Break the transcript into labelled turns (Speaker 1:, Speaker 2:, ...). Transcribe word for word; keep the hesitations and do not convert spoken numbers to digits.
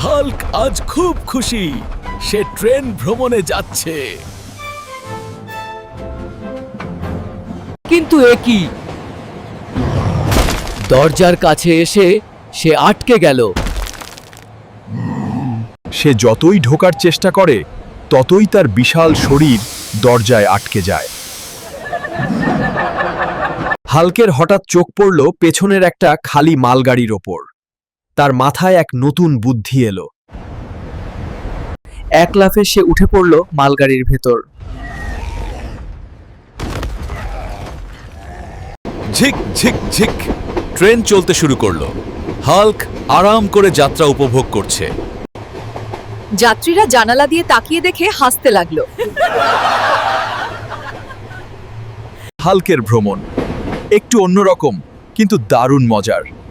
Speaker 1: Hulk আজ খুব খুশি। সে ট্রেন ভ্রমণে যাচ্ছে।
Speaker 2: কিন্তু এ কি? দরজার কাছে এসে সে আটকে গেল।
Speaker 3: সে যতই ঢোকার চেষ্টা করে ততই তার বিশাল শরীর দরজায় আটকে যায়। হাল্কের হঠাৎ চোখ পড়ল পেছনের একটা খালি মালগাড়ির ওপর। তার মাথায় এক নতুন বুদ্ধি এলো।
Speaker 2: এক লাফে সে উঠে পড়ল মালগাড়ির ভেতর।
Speaker 1: ঝিক ঝিক ঝিক ট্রেন চলতে শুরু করলো। হাল্ক আরাম করে যাত্রা উপভোগ করছে।
Speaker 4: যাত্রীরা জানালা দিয়ে তাকিয়ে দেখে হাসতে লাগলো।
Speaker 3: হাল্কের ভ্রমণ একটু অন্যরকম কিন্তু দারুণ মজার।